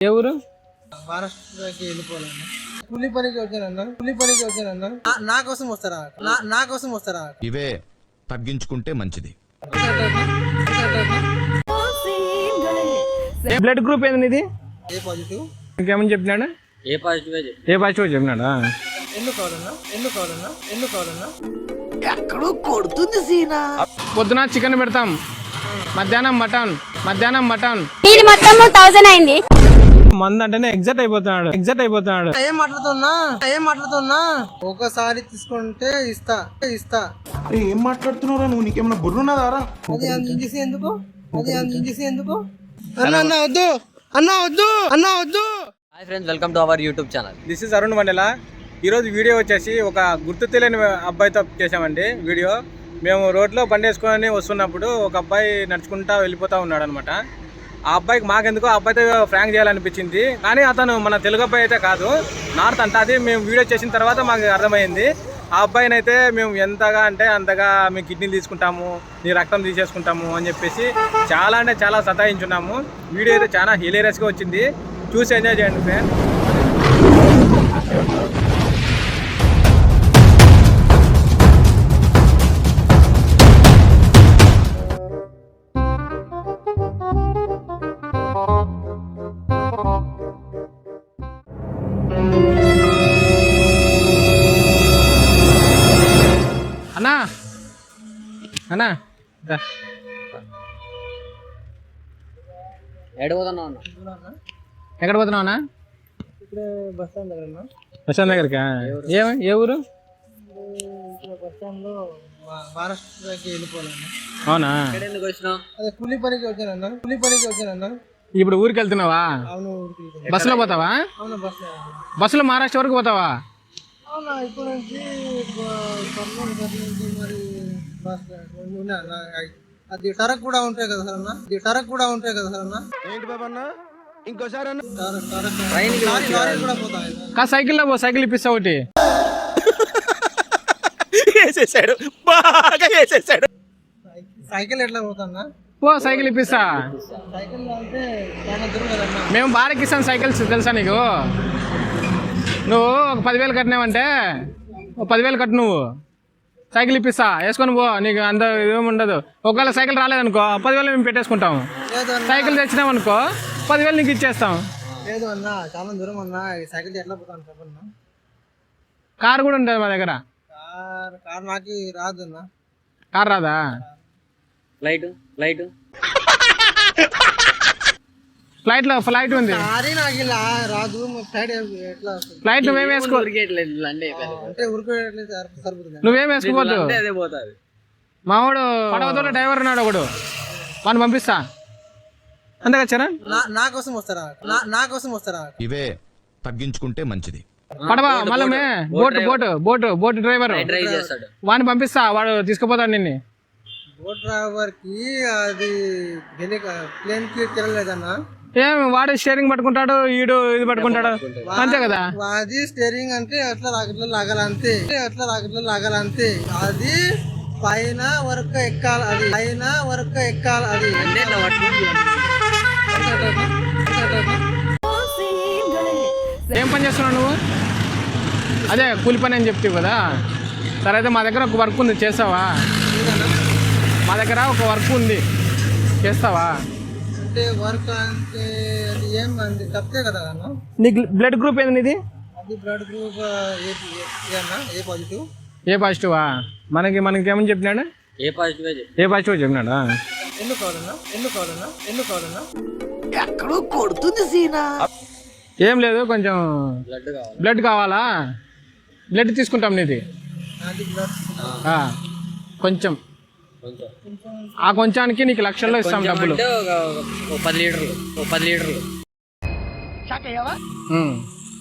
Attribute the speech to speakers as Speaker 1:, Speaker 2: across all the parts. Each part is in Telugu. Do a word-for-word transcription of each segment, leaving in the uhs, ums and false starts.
Speaker 1: ఏ ఊరు?
Speaker 2: మహారాష్ట్రకి వెళ్ళిపోవాలన్నా. కూలి పనికి వచ్చానన్నా కూలి పనికి వచ్చానన్నా నా కోసం వస్తారా నా కోసం వస్తారా?
Speaker 3: ఇవే తగ్గించుకుంటే మంచిది.
Speaker 1: బ్లడ్ గ్రూప్ ఏంది ఇది?
Speaker 2: ఏ పాజిటివ్.
Speaker 1: ఇంకేమని చెప్పినాడు?
Speaker 4: ఏ పాజిటివ్
Speaker 1: ఏ పాజిటివ్ చెప్పినాడా?
Speaker 2: ఎందుకు కావాలన్నా ఎందుకు కావాలన్నా ఎందుకు కావాలన్నా
Speaker 5: ఎక్కడో కొడుతుంది సీనా.
Speaker 1: పొద్దున చికెన్ పెడతాం, మధ్యాహ్నం మటన్, మధ్యాహ్నం మటన్.
Speaker 6: ఇది మొత్తం థౌసండ్ అయింది.
Speaker 1: మంది అంటేనే ఎగ్జాక్ట్ అయిపోతున్నాడు ఎగ్జాక్ట్ అయిపోతున్నాడు
Speaker 2: ఏం మాట్లాడుతున్నా ఏం మాట్లాడుతున్నా ఒకసారి తీసుకుంటే ఇస్తా ఇస్తా.
Speaker 7: ఏం మాట్లాడుతున్నారా నువ్వు? నీకేమన్నా బుర్రున్నదారా?
Speaker 2: అది అంత ఇంజెసి ఎందుకు అది అంత ఇంజెసి ఎందుకు? అన్న అన్న వద్దు అన్న వద్దు అన్న వద్దు.
Speaker 4: Hi friends, welcome to our YouTube channel.
Speaker 1: This is Arun Mandala. ఈరోజు వీడియో వచ్చేసి ఒక గుర్తు తెలియని అబ్బాయితో చేసామండి వీడియో. మేము రోడ్లో బండి వేసుకొని వస్తున్నప్పుడు ఒక అబ్బాయి నడుచుకుంటా వెళ్ళిపోతూ ఉన్నాడు అనమాట. ఆ అబ్బాయికి మాకెందుకో ఆ అబ్బాయితో ఫ్రాంక్ చేయాలనిపించింది, కానీ అతను మన తెలుగు అబ్బాయి అయితే కాదు, నార్త్ అంట. అది మేము వీడియో చేసిన తర్వాత మాకు అర్థమైంది. ఆ అబ్బాయిని అయితే మేము ఎంతగా అంటే అంతగా మేము కిడ్నీలు తీసుకుంటాము, నీ రక్తం తీసేసుకుంటాము అని చెప్పేసి చాలా అంటే చాలా సతాయించున్నాము. వీడియో అయితే చాలా హిలేరియస్గా వచ్చింది, చూసి ఎంజాయ్ చేయండి ఫ్రెండ్. అన్నా అన్నా
Speaker 4: ఎక్కడ పోతున్నావు అన్న?
Speaker 1: ఎక్కడ పోతున్నావు అన్నా?
Speaker 2: ఇప్పుడే బస్ స్టాండ్ దగ్గర ఉన్నా.
Speaker 1: Bus stand దగ్గరకా? ఏ ఏ ఊరు?
Speaker 2: బస్ స్టాండ్ లో మహారాష్ట్రకి వెళ్ళిపోవాలన్నా.
Speaker 1: అవునా?
Speaker 4: ఎక్కడ ఎందుకు వచ్చినావు?
Speaker 2: అదే కూలి పనికి వచ్చానన్నా కూలి పనికి వచ్చానన్నా.
Speaker 1: ఇప్పుడు ఊరికి వెళ్తున్నావా?
Speaker 2: అవును.
Speaker 1: బస్సులో పోతావా?
Speaker 2: అవును బస్
Speaker 1: బస్సులో మహారాష్ట్ర వరకు పోతావా?
Speaker 2: అవునా? ఇప్పుడు నుంచి కర్నూలు బస్ నుంచి మరి బస్ ఉన్నా అది టరక్ కూడా ఉంటాయి కదా సార్ అన్న అది టరక్ కూడా ఉంటాయి కదా సార్ అన్న.
Speaker 7: ఏంటి బాబా అన్న? ఇంకోసారి అన్న.
Speaker 2: టరక్ టరక్ లారీ లారీ కూడా పోతాయి.
Speaker 1: కా సైకిల్లో పో, సైకిల్ ఇప్పిస్తా ఒకటి.
Speaker 7: వేసేసాడు, బాగా వేసేసాడు.
Speaker 2: సైకిల్ ఎట్లా పోతాన్నా?
Speaker 1: పో, సైకిల్ ఇప్పిస్తా.
Speaker 2: సైకిల్ అంటే చాలా దూరం కదన్నా.
Speaker 1: మేము భారత్ కిసాన్ సైకిల్స్ తెలుసా నీకు? నువ్వు ఒక పదివేలు కట్టినావంటే ఒక పదివేలు కట్టు, నువ్వు సైకిల్ ఇప్పిస్తా, వేసుకొని పో. నీకు అంత ఏమి ఉండదు. ఒకవేళ సైకిల్ రాలేదనుకో పదివేలు మేము పెట్టేసుకుంటాం.
Speaker 2: లేదు అన్న
Speaker 1: సైకిల్ తెచ్చినామనుకో పదివేలు నీకు ఇచ్చేస్తాం.
Speaker 2: లేదు అన్న చాలా దూరం అన్న. సైకిల్ ఎట్లా పోతాను చెప్పన్నా?
Speaker 1: కార్ కూడా ఉంటుంది మా దగ్గర.
Speaker 2: కార్ కార్ నాకు రాదు అన్న.
Speaker 1: కార్ రాదా?
Speaker 4: ఫ్లైట్ ఫ్లైట్
Speaker 1: ఫ్లైట్ లో ఫ్లైట్ ఉంది.
Speaker 2: కారీ నాకు ఇలా రాదు. ఫ్లైట్ ఎట్లా వస్తుంది?
Speaker 1: ఫ్లైట్ నువ్వేం వేసుకో
Speaker 2: అంటే ఉరికేట్లేదు సరిపోతుంది.
Speaker 1: నువ్వేం వేసుకోవద్దు.
Speaker 4: అదే పోతుంది.
Speaker 1: మావాడు పడవతో డ్రైవర్ ఉన్నాడు ఒకడు, వాడిని పంపిస్తా. అంతేగా చరణ్?
Speaker 2: నా కోసం వస్తారా నా కోసం వస్తారా?
Speaker 3: ఇవే తగ్గించుకుంటే మంచిది.
Speaker 1: పడవ మళ్ళీ boat boat boat boat driver
Speaker 4: drive చేస్తాడు,
Speaker 1: వాడిని పంపిస్తా, వాడు తీసుకుపోతాడు నిన్ను.
Speaker 2: బోట్ డ్రైవర్ కి అది ప్లేన్ కి తిరగలేదన్నా.
Speaker 1: ఏం వాడు స్టీరింగ్ పట్టుకుంటాడు, ఈడు ఇది పట్టుకుంటాడు, అంతే కదా?
Speaker 2: అది స్టీరింగ్ అంటే అట్లా రాకెట్లో లాగాలంతే అట్లా రాకెట్లో లాగాలంతే. అది పైన వరకు ఎక్కాలి, అది పైన వరకు ఎక్కాలి. అది
Speaker 1: ఏం పని చేస్తున్నావు నువ్వు? అదే కూలి పని అని చెప్తావు కదా. సరే అయితే మా దగ్గర ఒక వర్క్ ఉంది, చేస్తావా? మా దగ్గర ఒక వర్క్ ఉంది, చేస్తావా?
Speaker 2: అంటే వర్క్ అంటే అది ఏం అంది తప్పే కదా అన్న.
Speaker 1: నీకు బ్లడ్ గ్రూప్ ఏంది నీది?
Speaker 2: అది బ్లడ్ గ్రూప్ ఏ అన్న ఏ పాజిటివ్.
Speaker 1: ఏ పాజిటివా? మనకి మనకి ఏమని చెప్పినాడు?
Speaker 4: ఏ పాజిటివ్
Speaker 1: ఏ పాజిటివ్ చెప్పినాడా?
Speaker 2: ఎందుకు కావాలన్నా ఎందుకు కావాలన్నా ఎందుకు కావాలన్నా
Speaker 5: ఎక్కడో కొడుతుంది సీనా.
Speaker 1: ఏం లేదు, కొంచెం
Speaker 4: బ్లడ్ కావాలి.
Speaker 1: బ్లడ్ కావాలా? బ్లడ్ తీసుకుంటాం నీది.
Speaker 2: అది బ్లడ్
Speaker 1: ఆ, కొంచెం ఆ కొంచానికి నీకు లక్షల్లో ఇస్తాం డబ్బులు.
Speaker 4: అంటే ఒక ఒక పది లీటర్లు ఒక పది లీటర్లు
Speaker 1: ఉమ్.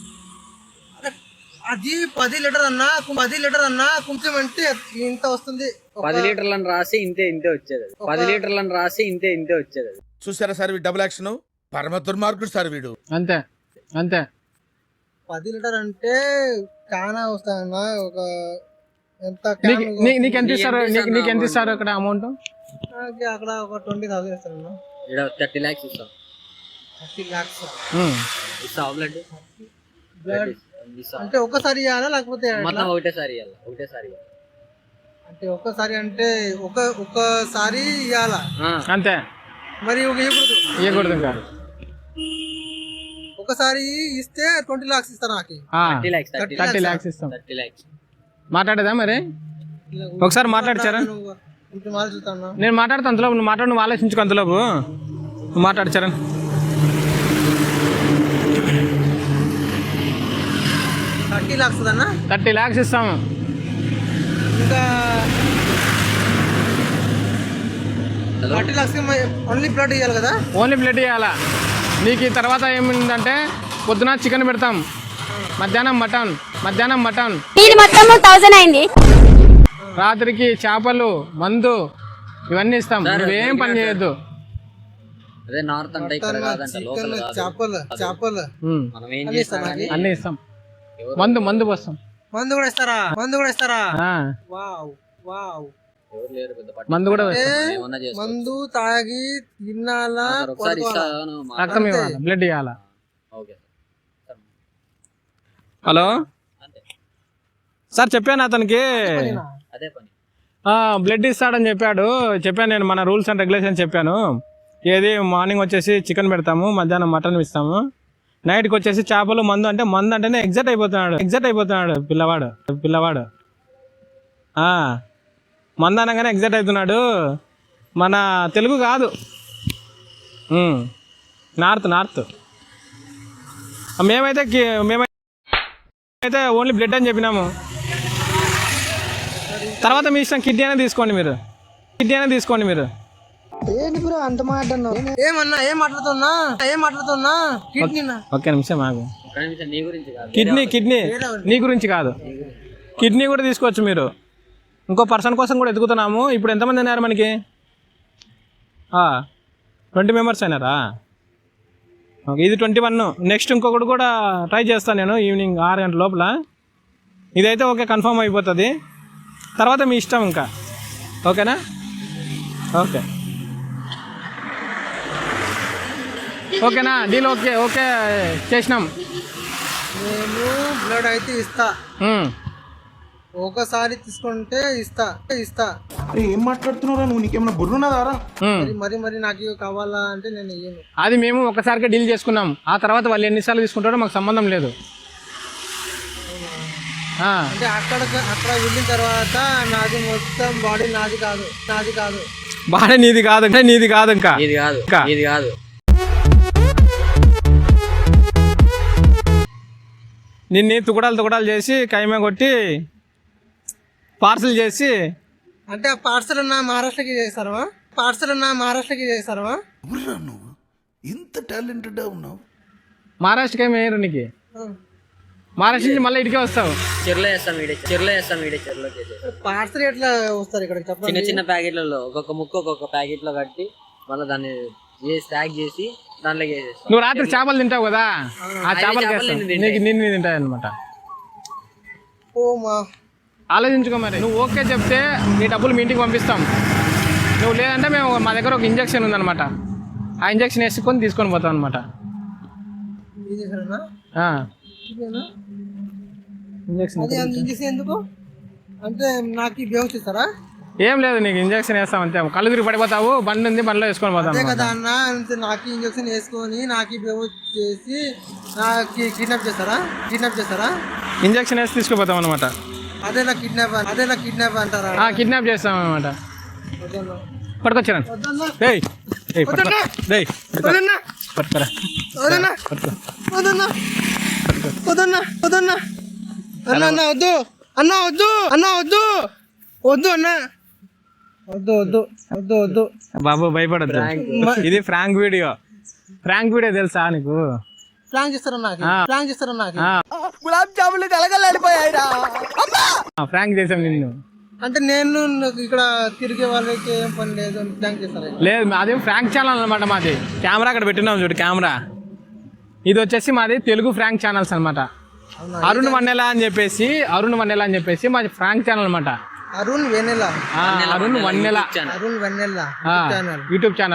Speaker 2: అది పది లీటర్ అన్నా పది లీటర్ అన్నా కొంచెం అంటే ఇంత వస్తుంది.
Speaker 4: పది లీటర్లను రాసి ఇంతే ఇంతే వచ్చేది. పది లీటర్లను రాసి ఇంతే ఇంతే వచ్చేది.
Speaker 7: చూసారా సార్ వీడు డబుల్ యాక్షన్? పరమ దుర్మార్గుడు సార్ వీడు.
Speaker 1: అంతే అంతే.
Speaker 2: పది లీటర్ అంటే చాలా వస్తాయన్నా. ఒక ఎంత
Speaker 1: నీకు ఎంత ఇస్తారు? నీకు నీకు ఎంత ఇస్తారు అక్కడ అమౌంట్?
Speaker 2: అక్కడ ఒక ట్వంటీ థౌసండ్ ఇస్తాను.
Speaker 4: ఇక్కడ థర్టీ ల్యాక్స్ ఇస్తాం.
Speaker 2: థర్టీ ల్యాక్స్
Speaker 4: ఇస్తావా బ్లడ్
Speaker 2: బ్లడ్
Speaker 4: ఇస్తావా
Speaker 2: అంటే ఒక్కసారి ఇవ్వాలా లేకపోతే ఎట్లా?
Speaker 4: మొత్తం ఒకటేసారి ఇవ్వాలి ఒకటేసారి ఇవ్వాలి.
Speaker 2: అంటే ఒక్కసారి అంటే ఒక ఒక్కసారి ఇవ్వాలా
Speaker 1: అంతే,
Speaker 2: మరి ఒక ఇవ్వకూడదు
Speaker 1: ఇవ్వకూడదు ఇంకా.
Speaker 2: ఒకసారి ఇస్తే ట్వంటీ లాక్స్ ఇస్తారు నాకు
Speaker 1: ఆ,
Speaker 4: thirty lakhs thirty
Speaker 1: thirty lakhs ఇస్తాం.
Speaker 4: థర్టీ ల్యాక్స్
Speaker 1: మాట్లాడేదా మరి? ఒకసారి మాట్లాడచారా?
Speaker 2: ఇంటి మాలు చూస్తాను
Speaker 1: నేను మాట్లాడతా అంతలోపు, నువ్వు మాట్లాడు, నువ్వు ఆలోచించుకో అంతలోపు. నువ్వు మాట్లాడు చరణ్.
Speaker 2: థర్టీ లాక్స్ అన్న
Speaker 1: థర్టీ ల్యాక్స్ ఇస్తాము.
Speaker 2: ఇంకా థర్టీ లాక్స్ ఓన్లీ బ్లడ్ ఇవ్వాలి కదా?
Speaker 1: ఓన్లీ బ్లడ్ ఇవ్వాలా. నీకు ఈ తర్వాత ఏమిందంటే పొద్దున చికెన్ పెడతాం, మధ్యాహ్నం మటన్, మధ్యాహ్నం మటన్,
Speaker 6: ఇది మొత్తం థౌసండ్ అయింది.
Speaker 1: రాత్రికి చేపలు, మందు ఇవన్నీ ఇస్తాం. నువ్వేం పని చేయొద్దు.
Speaker 4: అదే నార్త్ అంటే ఇక్కడ కాదంట, లోకల్ కాదు.
Speaker 2: చేపలు చేపలు
Speaker 1: ఉమ్,
Speaker 4: మనం ఏం చేస్తాం కానీ
Speaker 1: అన్నీ ఇస్తాం. మందు మందు పోస్తాం.
Speaker 2: మందు కూడా ఇస్తారా? మందు కూడా ఇస్తారా?
Speaker 1: ఆ,
Speaker 2: వావ్ వావ్.
Speaker 4: ఎవరు లేరు పెద్ద పట్టు.
Speaker 1: మందు కూడా
Speaker 2: అంటే
Speaker 1: వేస్తాం.
Speaker 4: ఏమన్నా చేసుకో.
Speaker 2: మందు తాగి తినాలా
Speaker 4: సార్ ఒకసారి
Speaker 2: పడుకోవాలా?
Speaker 4: ఇస్తాను మా-
Speaker 1: రక్తం ఇవ్వాలి, బ్లడ్ ఇవ్వాలా.
Speaker 4: Okay sir.
Speaker 1: హలో
Speaker 4: అంతే,
Speaker 1: సార్, చెప్పాను అతనికి
Speaker 4: అదే పని.
Speaker 1: బ్లడ్ ఇస్తాడని చెప్పాడు. చెప్పాను నేను, మన రూల్స్ అండ్ రెగ్యులేషన్ చెప్పాను. ఏది మార్నింగ్ వచ్చేసి చికెన్ పెడతాము, మధ్యాహ్నం మటన్ ఇస్తాము, నైట్కి వచ్చేసి చేపలు, మందు. అంటే మందు అంటేనే ఎగ్జైట్ అయిపోతున్నాడు, ఎగ్జైట్ అయిపోతున్నాడు పిల్లవాడు పిల్లవాడు ఆ, మందు అనగానే ఎగ్జైట్ అవుతున్నాడు. మన తెలుగు కాదు, ఉమ్, నార్త్ నార్త్. మేమైతే కి- మేమైతే ఓన్లీ బ్లడ్ అని చెప్పినాము. తర్వాత మీ ఇష్టం, కిడ్నీ అయినా తీసుకోండి మీరు, కిడ్నీ అయినా తీసుకోండి మీరు.
Speaker 2: ఏంటి బ్రో అంత మాట అన్నావు? ఏమన్నా ఏం మాట్లాడుతున్నా ఏం మాట్లాడుతున్నా కిడ్నీనా?
Speaker 1: ఒక్క నిమిషం ఆగు.
Speaker 4: ఒక్క నిమిషం, నీ గురించి కాదు.
Speaker 1: కిడ్నీ కిడ్నీ నీ గురించి కాదు, కిడ్నీ కూడా తీసుకోవచ్చు మీరు. ఇంకో పర్సన్ కోసం కూడా ఎదుగుతున్నాము. ఇప్పుడు ఎంతమంది అయినారు మనకి? ట్వంటీ మెంబర్స్ అయినారా? ఓకే, ఇది ట్వంటీ వన్. నెక్స్ట్ ఇంకొకటి కూడా ట్రై చేస్తాను నేను ఈవినింగ్ ఆరు గంటల లోపల. ఇదైతే ఓకే, కన్ఫర్మ్ అయిపోతుంది. తర్వాత మీ ఇష్టం ఇంకా. ఓకేనా? ఓకే ఓకేనా డీల్? ఓకే ఓకే చేసినాం.
Speaker 2: నేను బ్లడ్ అయితే ఇస్తా,
Speaker 1: ఉమ్.
Speaker 2: ఒకసారి తీసుకుంటే ఇస్తా ఇస్తా
Speaker 7: ఏం మాట్లాడుతున్నారా నువ్వు? నీకేమన్నా బుర్రున్నదారా?
Speaker 1: ఉమ్.
Speaker 2: మరి మరి మరి నాకు కావాలా అంటే నేను ఇయ్యను.
Speaker 1: అది మేము ఒకసారిగా డీల్ చేసుకున్నాం. ఆ తర్వాత వాళ్ళు ఎన్నిసార్లు తీసుకుంటారో మాకు సంబంధం లేదు. ఆ,
Speaker 2: అంటే అక్కడ అక్కడ వెళ్ళిన తర్వాత నాది మొత్తం బాడీ నాది కాదు, నాది కాదు.
Speaker 1: బాగా నీది కాదు అంటే నీది కాదు ఇంకా.
Speaker 4: ఇది కాదు,
Speaker 1: ఇంకా.
Speaker 4: ఇది కాదు.
Speaker 1: నిన్ను తుకడాలు తుకడాలు చేసి కైమే కొట్టి పార్సల్ చేసి.
Speaker 2: అంటే ఆ పార్సల్ నా మహారాష్ట్రకి చేస్తారా? పార్సల్ నా మహారాష్ట్రకి చేస్తారా?
Speaker 7: ఎవరురా నువ్వు? ఇంత టాలెంటెడ్ ఉన్నావు.
Speaker 1: మహారాష్ట్రకి ఏమి వేయరు నీకు. మహారాష్ట్ర నుంచి మళ్ళీ ఇటుకే వస్తావు.
Speaker 4: చెరులో వేస్తాం వీడే, చెరులో వేస్తాం వీడే, చెరులో చేసేది.
Speaker 2: పార్సల్ ఎట్లా వస్తారు ఇక్కడ
Speaker 4: చిన్న
Speaker 2: చెప్పండి?
Speaker 4: చిన్న ప్యాకెట్లలో ఒక్కొక్క ముక్క ఒక్కొక్క ప్యాకెట్ లో కట్టి మళ్ళీ దాన్ని చేసి ప్యాక్ చేసి దాంట్లో వేసేస్తాం.
Speaker 1: నువ్వు రాత్రి చేపలు తింటావు కదా, ఆ చేపలు
Speaker 4: చేపలు
Speaker 1: వేస్తావు.
Speaker 4: నిన్ను
Speaker 1: నీకు నిన్ను తింటాయి అనమాట.
Speaker 2: ఓ మా
Speaker 1: ఆలోచించుకో మరి. నువ్వు ఓకే చెప్తే నీ డబ్బులు మీ ఇంటికి పంపిస్తాం. నువ్వు లేదంటే మేము మా దగ్గర ఒక ఇంజక్షన్ ఉందన్నమాట, ఆ ఇంజక్షన్ వేసుకొని తీసుకొని పోతాం అనమాట.
Speaker 2: ఇది చేశారన్నా? ఇదేనా?
Speaker 1: ఇంజక్షన్
Speaker 2: అది అంత ఇంజక్షన్ ఎందుకు? అంటే నాకు బేహోష్ ఇస్తారా?
Speaker 1: ఏం లేదు, నీకు ఇంజక్షన్ వేస్తాం అంతే. కళ్ళు తిరిగి పడిపోతావు, బండి ఉంది, బండిలో వేసుకొని పోతాం
Speaker 2: అదే
Speaker 1: అన్నమాట.
Speaker 2: కదా అన్న, అంతే. నాకు ఇంజక్షన్ వేసుకొని నాకు బేహోష్ చేసి నాకు కిడ్నాప్ చేస్తారా? కిడ్నాప్ చేస్తారా?
Speaker 1: ఇంజక్షన్ వేసి తీసుకుపోతాం అనమాట.
Speaker 2: అదే నా కిడ్నాప్ అదే నా కిడ్నాప్ అంటారా?
Speaker 1: కిడ్నాప్ చేస్తాం అనమాట.
Speaker 2: వద్దన్నా.
Speaker 1: పట్టుకొచ్చాను.
Speaker 2: వద్దన్నా.
Speaker 1: ఏయ్ ఏయ్ పట్టుకో. ఏయ్ పట్టుకో.
Speaker 2: వద్దన్నా.
Speaker 1: పట్టుకోరా.
Speaker 2: వద్దన్నా.
Speaker 1: పట్టుకో.
Speaker 2: వద్దన్నా. వద్దన్నా. వద్దన్నా. అన్న అన్న వద్దు అన్న వద్దు అన్న వద్దు వద్దు అన్న వద్దు వద్దు వద్దు వద్దు
Speaker 1: బాబు భయపడద్దు. ఇది ఫ్రాంక్ వీడియో. ఫ్రాంక్ వీడియో తెలుసా నీకు?
Speaker 2: ప్లాన్ చేస్తారా నాకు? ప్లాన్ చేస్తారా నాకు?
Speaker 5: గులాబ్ జాములు కలగలాడిపోయాయిరా.
Speaker 1: ఫ్రాంక్ చేసాం నిన్ను.
Speaker 2: అంటే నేను నాకు ఇక్కడ తిరిగే వాళ్ళకి ఏం పని లేదు అని ప్లాన్ చేస్తారా?
Speaker 1: లేదు, అదే ఫ్రాంక్ ఛానల్ అనమాట మాది. కెమెరా అక్కడ పెట్టినాం చూడు, కెమెరా. ఇది వచ్చేసి మాది తెలుగు ఫ్రాంక్ ఛానల్స్ అనమాట. అరుణ్ వన్నెల అని చెప్పేసి అరుణ్ వన్నెల అని చెప్పేసి మాది ఫ్రాంక్ ఛానల్ అనమాట.
Speaker 2: అరుణ్ వెన్నెల.
Speaker 1: Arun Vannela
Speaker 2: Arun Vennela
Speaker 1: YouTube channel.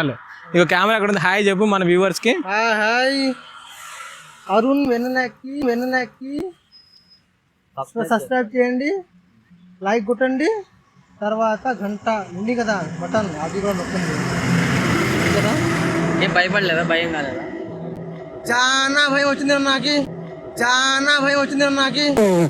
Speaker 1: ఇక కెమెరా ఎక్కడ ఉంది? హాయ్ చెప్పు మన వ్యూవర్స్ కి.
Speaker 2: హాయ్ హాయ్ అరుణ్ వెన్నెలకి వెన్నెలకి సబ్స్క్రైబ్ చేయండి, లైక్ కొట్టండి, తర్వాత గంట ఉంది కదా బటన్, అది కూడా నొక్కండి. కదా
Speaker 4: ఏం భయపడలేదా? భయం కాలేదా?
Speaker 2: చాలా భయం వచ్చింది నాకు, చాలా భయం వచ్చింది నాకు.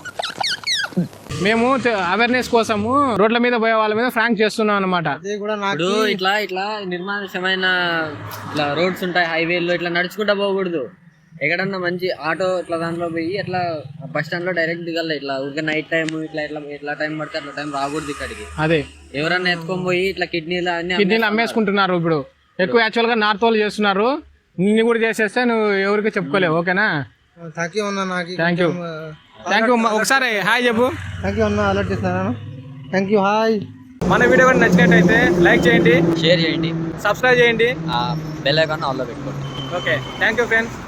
Speaker 1: మేము అవేర్నెస్ కోసము రోడ్ల మీద పోయే వాళ్ళ మీద ఫ్రాంక్ చేస్తున్నాం అనమాట.
Speaker 2: అదే కూడా నాకు
Speaker 4: ఇప్పుడు ఇట్లా ఇట్లా నిర్మానుష్యమైన ఇట్లా రోడ్స్ ఉంటాయి, హైవేల్లో ఇట్లా నడుచుకుంటా పోకూడదు. ఎక్కడన్నా మంచి ఆటో ఇట్లా దాంట్లో పోయి ఇట్లా బస్ స్టాండ్ లో డైరెక్ట్ దిగాలి. ఇట్లా ఊరికే నైట్ టైం ఇట్లా ఇట్లా ఎట్లా టైం పడితే అట్లా టైం రాకూడదు ఇక్కడికి.
Speaker 1: అదే
Speaker 4: ఎవరన్నా ఎత్తుకొని పోయి ఇట్లా కిడ్నీలు అన్ని
Speaker 1: కిడ్నీలు అమ్మేసుకుంటున్నారు ఇప్పుడు ఎక్కువ. యాక్చువల్ గా నార్త్ వాళ్ళు చేస్తున్నారు, నిన్ను కూడా చేసేస్తే నువ్వు ఎవరికి చెప్పుకోలేవు. ఓకేనా?
Speaker 2: థ్యాంక్ యూ అన్న, నాకు
Speaker 1: థ్యాంక్ యూ థ్యాంక్ యూ. ఒకసారి హాయ్ చెప్పు.
Speaker 2: థ్యాంక్ యూ అన్న, అలర్ట్ చేస్తున్నాను. Thank you, hi.
Speaker 1: మన వీడియో కూడా నచ్చినట్టయితే లైక్ చేయండి,
Speaker 4: షేర్ చేయండి,
Speaker 1: సబ్స్క్రైబ్ చేయండి,
Speaker 4: బెల్ ఐకాన్ ఆన్లో పెట్టుకోండి.
Speaker 1: Okay thank you friends.